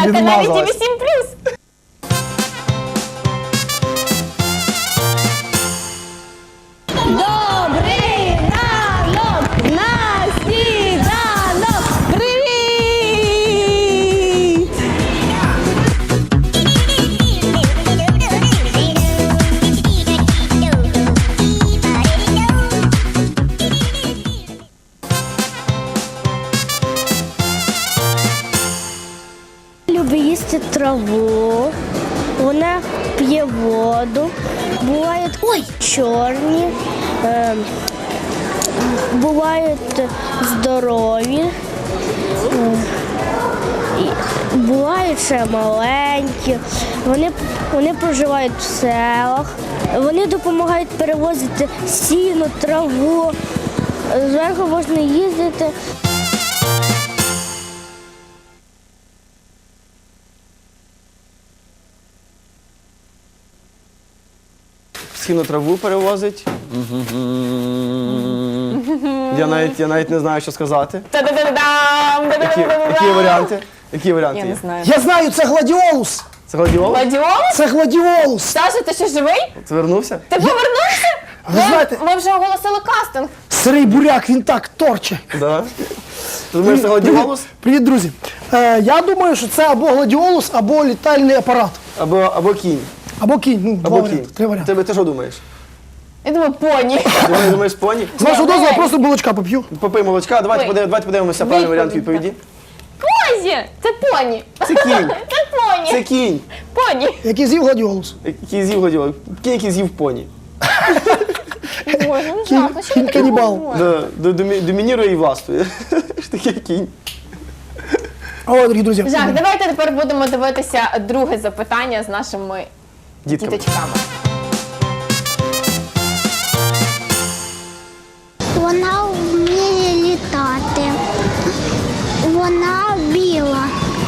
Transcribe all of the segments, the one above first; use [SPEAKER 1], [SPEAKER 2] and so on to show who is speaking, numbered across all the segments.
[SPEAKER 1] на каналі
[SPEAKER 2] Відмазалась.
[SPEAKER 1] ТВ7+. Добрий ранок! На сніданок! Привіт! Любить їсти траву, вона п'є воду, бувають чорні, бувають здорові, бувають ще маленькі, вони проживають в селах, вони допомагають перевозити сіно, траву, зверху можна їздити.
[SPEAKER 2] Сіно траву перевозить. Я навіть не знаю, що сказати.
[SPEAKER 1] Та-да-да-да-дам!
[SPEAKER 2] Які варіанти? Які варіанти
[SPEAKER 1] Я
[SPEAKER 2] є?
[SPEAKER 1] не знаю.
[SPEAKER 3] Я знаю, це гладіолус.
[SPEAKER 2] Це гладіолус?
[SPEAKER 1] Гладіолус?
[SPEAKER 3] Це гладіолус.
[SPEAKER 1] Саша, ти ще живий?
[SPEAKER 2] Це вернувся?
[SPEAKER 1] Ти повернувся?
[SPEAKER 3] Ви знаєте,
[SPEAKER 1] Ми вже оголосили кастинг.
[SPEAKER 3] сирий буряк, він так торче.
[SPEAKER 2] Да. Ти думаєш, це гладіолус?
[SPEAKER 3] Привіт, друзі. Я думаю, що це або гладіолус, або літальний апарат.
[SPEAKER 2] Або кінь.
[SPEAKER 3] Або кінь. Ну, два
[SPEAKER 2] Або
[SPEAKER 3] варіанти,
[SPEAKER 2] кінь.
[SPEAKER 3] три варіанти.
[SPEAKER 2] Ти що думаєш?
[SPEAKER 1] Я думаю, поні.
[SPEAKER 2] Думаєш поні?
[SPEAKER 3] З вашого
[SPEAKER 1] Ні,
[SPEAKER 3] дозволу
[SPEAKER 1] ні.
[SPEAKER 3] просто молочка поп'ю.
[SPEAKER 2] Попий молочка, давайте подивимося правильний варіант відповіді.
[SPEAKER 1] Козі! Це поні.
[SPEAKER 2] Це кінь.
[SPEAKER 1] Це поні.
[SPEAKER 2] Це кінь.
[SPEAKER 1] Поні.
[SPEAKER 3] Який з'їв гладіолус.
[SPEAKER 2] Який з'їв гладіолус. Кінь, який з'їв поні.
[SPEAKER 1] Боже, ну жах, ну що
[SPEAKER 3] Кінь
[SPEAKER 1] ви таке
[SPEAKER 3] канібал.
[SPEAKER 1] говорите?
[SPEAKER 2] Домінірує і властвує. Ж таке кінь.
[SPEAKER 3] О, дорогі друзі.
[SPEAKER 1] Жах, давайте тепер будемо дивитися друге запитання з нашими
[SPEAKER 2] Дітками.
[SPEAKER 1] діточками.
[SPEAKER 4] Вона вміє літати. Вона біла.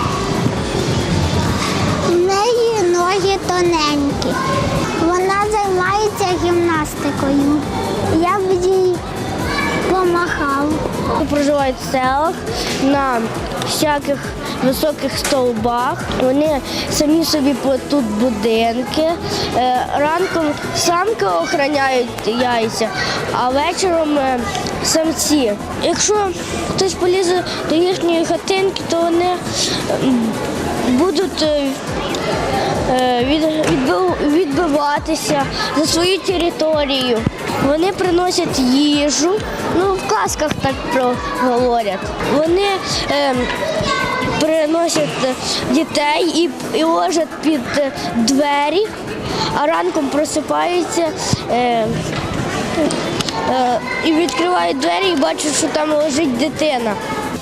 [SPEAKER 4] В неї ноги тоненькі. Вона займається гімнастикою. Я б їй помахав.
[SPEAKER 5] Проживають в селах на всяких високих стовбах. Вони самі собі плетуть будинки. Ранком самки охороняють яйця, а вечором самці. Якщо хтось полізе до їхньої хатинки, то вони будуть відбиватися за свою територію. Вони приносять їжу, ну в казках так говорять. Вони приносять дітей і ложать під двері, а ранком просипаються і відкривають двері і бачать, що там лежить дитина.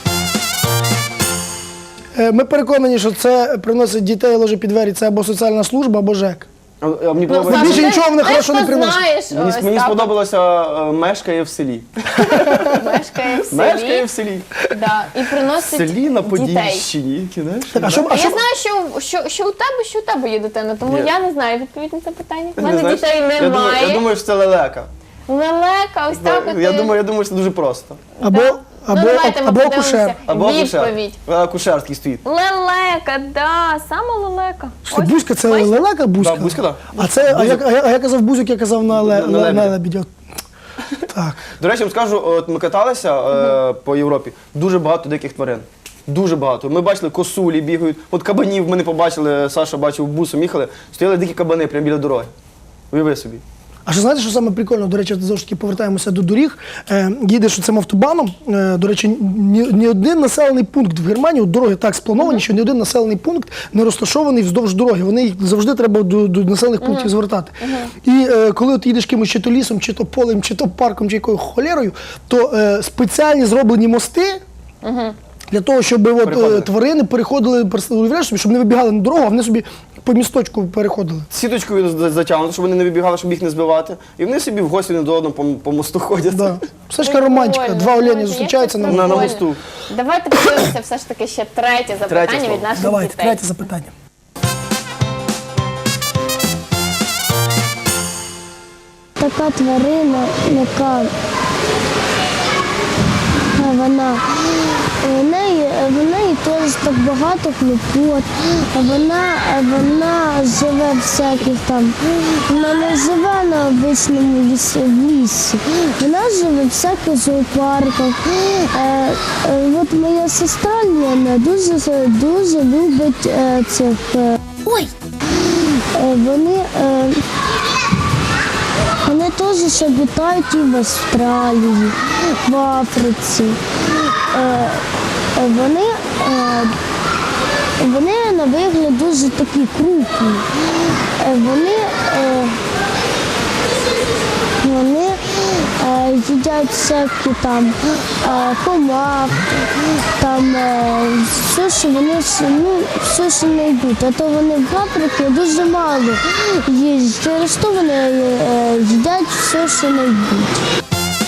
[SPEAKER 3] Ми переконані, що це приносить дітей лежить під двері. Це або соціальна служба, або ЖЕК.
[SPEAKER 2] А мені подобається.
[SPEAKER 3] більше нічого вони хорошого не приносять.
[SPEAKER 2] Мені сподобалося мешкає в селі.
[SPEAKER 1] Мешкає в селі.
[SPEAKER 2] Мешкає в селі.
[SPEAKER 1] Да, і
[SPEAKER 2] В
[SPEAKER 1] приносить
[SPEAKER 2] селі на
[SPEAKER 1] дітей.
[SPEAKER 2] Подільщині. Знаєш?
[SPEAKER 3] А що,
[SPEAKER 1] Я знаю, що у тебе є дитина, тому
[SPEAKER 2] Ні.
[SPEAKER 1] я не знаю відповідь на це питання. У
[SPEAKER 2] Не
[SPEAKER 1] мене
[SPEAKER 2] знаєш?
[SPEAKER 1] дітей немає.
[SPEAKER 2] Я думаю, що це лелека.
[SPEAKER 1] Лелека, ось так от.
[SPEAKER 2] Я думаю, що це дуже просто.
[SPEAKER 3] Або
[SPEAKER 1] давайте ми
[SPEAKER 3] або
[SPEAKER 1] подивимося.
[SPEAKER 3] акушер.
[SPEAKER 2] Або акушер.
[SPEAKER 1] Відповідь.
[SPEAKER 2] Акушер такий стоїть.
[SPEAKER 1] Лелека, да, саме лелека.
[SPEAKER 3] Що, Бузька, це лелека Бузька?
[SPEAKER 2] Да, Бузька, да.
[SPEAKER 3] А я казав Бузик, я казав на
[SPEAKER 2] лебедя.
[SPEAKER 3] лебедя. Так.
[SPEAKER 2] До речі, я вам скажу, от ми каталися по Європі, дуже багато диких тварин. Дуже багато. Ми бачили, косулі бігають. От кабанів ми не побачили, Саша бачив, бусом їхали, стояли дикі кабани прямо біля дороги. Уяви собі.
[SPEAKER 3] А що знаєте, що саме прикольно? До речі, знову ж таки повертаємося до доріг. Їдеш цим автобаном. До речі, ні один населений пункт в Германії, от дороги так сплановані, що ні один населений пункт не розташований вздовж дороги. Вони їх завжди треба до населених пунктів звертати. І коли от їдеш кимось чи то лісом, чи то полем, чи то парком, чи якою холерою, то спеціальні зроблені мости. Для того, щоб тварини переходили, уявляєш собі, щоб не вибігали на дорогу, а вони собі по місточку переходили.
[SPEAKER 2] Сіточкою затягнути, щоб вони не вибігали, щоб їх не збивати. І вони собі в гості не до одного по мосту ходять.
[SPEAKER 3] Да. Все ж таки романтика.
[SPEAKER 1] Прикольно.
[SPEAKER 3] Два олені
[SPEAKER 1] Знаєте,
[SPEAKER 3] зустрічаються
[SPEAKER 1] як
[SPEAKER 3] на
[SPEAKER 1] це
[SPEAKER 2] на
[SPEAKER 1] прикольно.
[SPEAKER 2] мосту.
[SPEAKER 1] Давайте подивимося все ж таки ще третє запитання
[SPEAKER 2] слово.
[SPEAKER 1] від наших
[SPEAKER 3] Давайте,
[SPEAKER 1] дітей.
[SPEAKER 3] третє запитання.
[SPEAKER 5] Така тварина, яка в неї теж так багато хлопот. Вона живе всяких там. Вона не живе на обичному лісі. Вона живе в всяких зоопарках. От моя сестра Лена дуже любить цих. Вони теж ще обітають і в Австралії, в Африці. Вони на вигляд дуже такі крупні. Вони їдять всякі там комах, там все, що вони все, що не йдуть. А то вони в Африці дуже мало їжджать, через то вони їдять все, що не йдуть.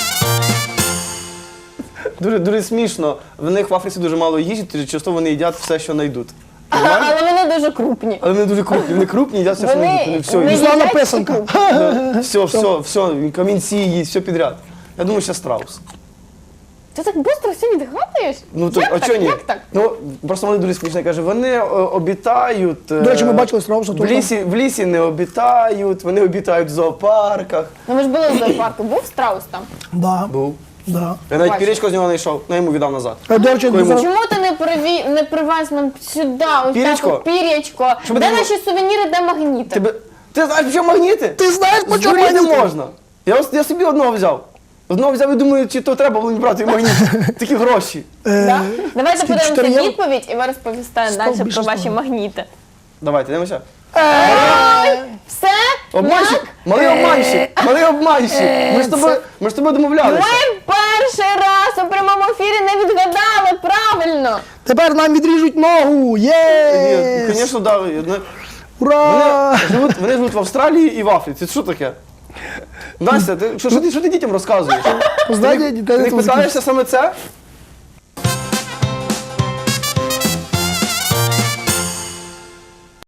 [SPEAKER 2] Дуже смішно. В них в Африці дуже мало їжі, часто вони їдять все, що знайдуть.
[SPEAKER 1] Але вони дуже крупні.
[SPEAKER 2] Але вони дуже крупні. Вони крупні, їдять все, що
[SPEAKER 1] Вони
[SPEAKER 2] знайдуть. Вони все
[SPEAKER 1] не
[SPEAKER 2] їдять.
[SPEAKER 3] Славна
[SPEAKER 1] їдять
[SPEAKER 3] писанка.
[SPEAKER 2] Все, камінці їсть, все підряд. Я думаю, ще страус.
[SPEAKER 1] Ти так швидко все відгадуєш?
[SPEAKER 2] Ну, то,
[SPEAKER 1] Як
[SPEAKER 2] а
[SPEAKER 1] так?
[SPEAKER 2] чого ні?
[SPEAKER 1] Як так?
[SPEAKER 2] Ну, просто вони дуже смішно. Каже, вони обітають.
[SPEAKER 3] До речі, ми бачили страуса теж.
[SPEAKER 2] В лісі не обітають, вони обітають в зоопарках.
[SPEAKER 1] Ну, ми ж були в зоопарку, був страус там.
[SPEAKER 3] Да,
[SPEAKER 2] Був.
[SPEAKER 3] да.
[SPEAKER 2] Я навіть
[SPEAKER 1] Бачу.
[SPEAKER 2] пірічку з нього знайшов, я йому віддав назад.
[SPEAKER 3] До речі,
[SPEAKER 2] Коли
[SPEAKER 3] зараз-
[SPEAKER 1] Чому ти не привез нам сюди, ось
[SPEAKER 2] Пірячко?
[SPEAKER 1] так от пірячко?
[SPEAKER 2] Щоб
[SPEAKER 1] Де
[SPEAKER 2] ти-
[SPEAKER 1] наші сувеніри, де магніти?
[SPEAKER 2] Ти знаєш, що магніти?
[SPEAKER 3] Ти знаєш, по чому
[SPEAKER 2] Здуріти не
[SPEAKER 3] магніти?
[SPEAKER 2] можна. Я собі одного взяв. Одного взяв і думаю, чи то треба було мені брати магніт. Такі гроші.
[SPEAKER 1] Да? Давайте
[SPEAKER 3] скільки,
[SPEAKER 1] подивимося
[SPEAKER 3] 4 євро?
[SPEAKER 1] відповідь, і ви розповісте
[SPEAKER 3] Сто,
[SPEAKER 1] далі
[SPEAKER 3] більше
[SPEAKER 1] про
[SPEAKER 3] 100.
[SPEAKER 1] ваші магніти.
[SPEAKER 2] Давайте, дивимося.
[SPEAKER 1] Все?
[SPEAKER 2] Обманщик? Малий обманщик. Малий обманщик. Ми ж з тобою домовлялися.
[SPEAKER 1] Ми перший раз у прямому ефірі не відгадали правильно.
[SPEAKER 3] Тепер нам відріжуть ногу. Є!
[SPEAKER 2] Звісно, так.
[SPEAKER 3] Ура!
[SPEAKER 2] Вони живуть в Австралії і в Африці. Це що таке? Настя, що ти дітям розказуєш?
[SPEAKER 3] Знаєте,
[SPEAKER 2] Ти
[SPEAKER 3] дітей
[SPEAKER 2] не
[SPEAKER 3] не
[SPEAKER 2] питаєшся саме це?